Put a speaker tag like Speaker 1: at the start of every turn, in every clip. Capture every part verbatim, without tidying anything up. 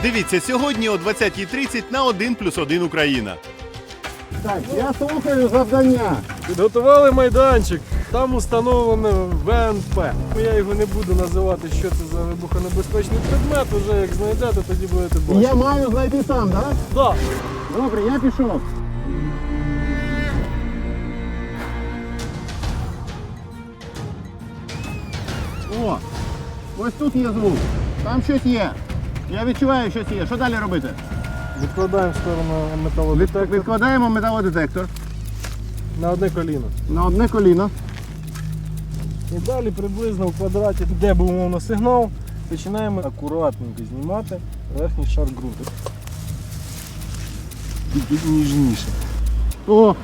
Speaker 1: Дивіться сьогодні о двадцятій тридцять на один плюс один Україна.
Speaker 2: Так, я слухаю завдання.
Speaker 3: Підготували майданчик, там установлено В Н П. Я його не буду називати, що це за вибухонебезпечний предмет, вже як знайдете, тоді будете бачити.
Speaker 2: Я маю знайти сам, так?
Speaker 3: Так.
Speaker 2: Добре, я пішов. О, ось тут є звук. Там щось є. Я відчуваю, щось є. Що далі робити?
Speaker 3: Відкладаємо в сторону металодетектор
Speaker 2: Відкладаємо металодетектор
Speaker 3: на одне коліно.
Speaker 2: на одне коліно.
Speaker 3: І далі приблизно в квадраті, де був умовно сигнал, починаємо акуратненько знімати верхній шар ґрунту. Тільки ніжніше.
Speaker 2: О!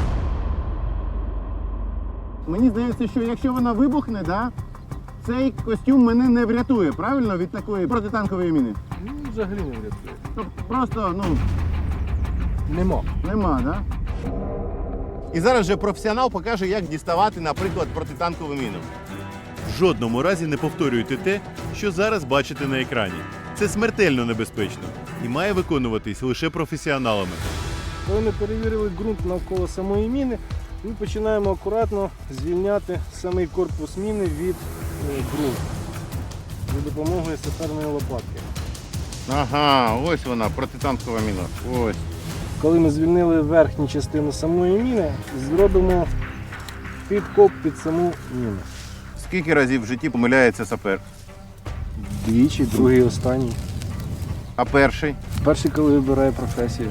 Speaker 2: Мені здається, що якщо вона вибухне, да, цей костюм мене не врятує, правильно, від такої протитанкової міни?
Speaker 3: Ну, взагалі не врятує.
Speaker 2: Тобто просто, ну,
Speaker 3: Нема.
Speaker 2: нема, да?
Speaker 1: І зараз вже професіонал покаже, як діставати, наприклад, протитанкову міну. В жодному разі не повторюйте те, що зараз бачите на екрані. Це смертельно небезпечно і має виконуватись лише професіоналами.
Speaker 3: Коли ми перевірили ґрунт навколо самої міни, ми починаємо акуратно звільняти самий корпус міни від е, ґрунту за допомогою саперної лопатки.
Speaker 2: Ага, ось вона, протитанкова міна. Ось.
Speaker 3: Коли ми звільнили верхню частину самої міни, зробимо підкоп під саму міну.
Speaker 2: Скільки разів в житті помиляється сапер?
Speaker 3: Двічі, другий, останній.
Speaker 2: А перший?
Speaker 3: Перший, коли вибирає професію.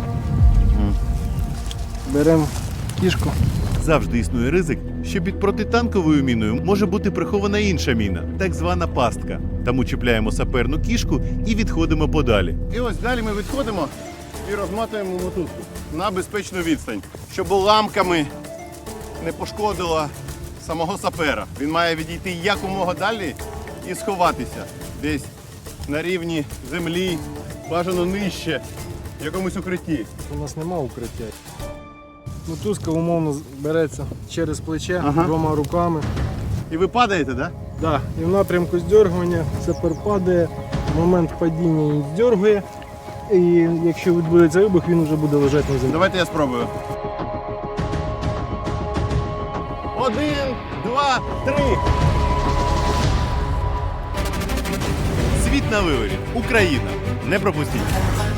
Speaker 3: Беремо кішку.
Speaker 1: Завжди існує ризик, що під протитанковою міною може бути прихована інша міна, так звана пастка. Тому чіпляємо саперну кішку і відходимо подалі.
Speaker 2: І ось далі ми відходимо і розмотуємо мотузку на безпечну відстань, щоб уламками не пошкодило самого сапера. Він має відійти якомога далі і сховатися десь на рівні землі, бажано нижче, в якомусь укритті.
Speaker 3: У нас нема укриття. Мотузка умовно береться через плече
Speaker 2: Ага.
Speaker 3: двома руками.
Speaker 2: І ви падаєте, так?
Speaker 3: Да. І в напрямку здьоргування сапер падає, в момент падіння він здьоргує. І якщо відбудеться вибух, він вже буде лежати на землі.
Speaker 2: Давайте я спробую. Один, два, три.
Speaker 1: Світ на виворі. Україна. Не пропустіть.